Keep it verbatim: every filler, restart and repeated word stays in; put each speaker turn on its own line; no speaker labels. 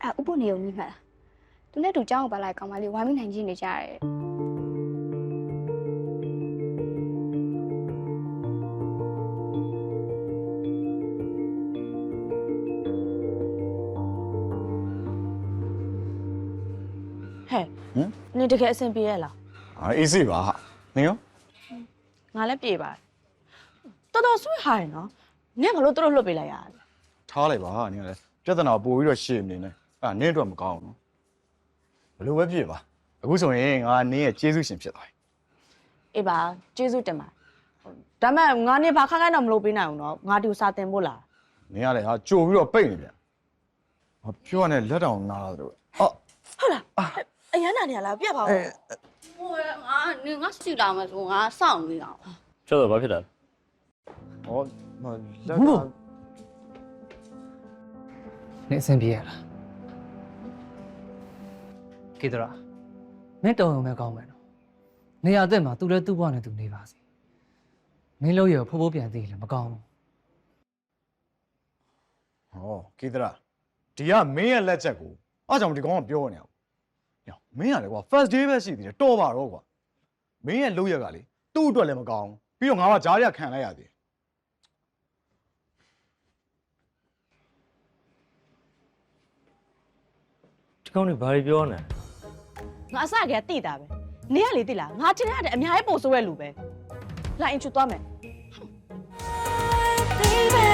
အဲဥပုနေုံကြီးမှတ်လားသူနဲ့တူကြောင်းကိုပါလိုက်ကောင်မလေးဝိုင်းမိနိုင်ချင်းနေကြရတယ်
ဟဲ့ဟမ်နေတကယ်အဆင်ပြေရလား
အေးစေးပါဟာနင်ရော
ငါလည်းပြေပါတယ်တော်တော်ဆွေးဟာရနော်နင်ကလို့တို့လွတ်ပေးလိုက်ရလဲ
ထားလိုက်ပါဟာနင်ကလည်းပြဿနာပို့ပြီးတော့ရှေ့နေနေအဲ့နင်းအတွက်မကောင်းဘူးနော်ဘယ်လိုပဲဖြစ်ပါအခုဆိုရင်ငါနင်းရဲ့ကျေးဇူးရှင်ဖြစ်သွားပြီ
အေးပါကျေးဇူးတင်ပါတယ်ဒါမဲ့ငါနေဘာခက်ခိုင်းတော့မလုပ်ပေးနိုင်ဘူးနော်ငါဒီကိုစာတင်ဖို့လား
နင်ကလည်းဟာကြိုပြီးတော့ပိတ်နေပြန်ဟာပြောရနဲ့လက်တောင်နားတော့အော်
ဟုတ်လားအရန်နာနေရလားပြတ်ပါဦး
ဟိုငါနင်ငါစီလာမယ်ဆိုငါစောင့်နေတာ
ကျော်တော့ဘာဖြစ်တာ
ဟောလက်က
နေအဆင်ပြေရလားကေတရာမင်းတော်ရုံပဲကောင်းမယ်နော်နေရာအသက်မှာသူလည်းသူ့ဘဝနဲ့သူနေပါစေမင်းလို့ရဖိုးဖိုးပြန်သေးလည်းမကောင်းဘူး
ဟောကေတရာဒီကမင်းရဲ့လက်ချက်ကိုအားကြောင့်ဒီကောင်ကပြောနေအောင်ညမင်းကလည်းကွာ first day ပဲရှိသေးတယ်တော်ပါတော့ကွာမင်းရဲ့လုပ်ရက်ကလေသူ့အတွက်လည်းမကောင်းပြီးတော့ငါကကြားရခံလိုက်ရသေး
ဒီကောင်တွေဘာတွေပြောနေ
ငါအစကတိတာပဲနင်ကလေတိလားငါချင်းရတဲ့အများကြီးပို့ဆိုးရလူပဲလာအင်ချူသွားမယ် Baby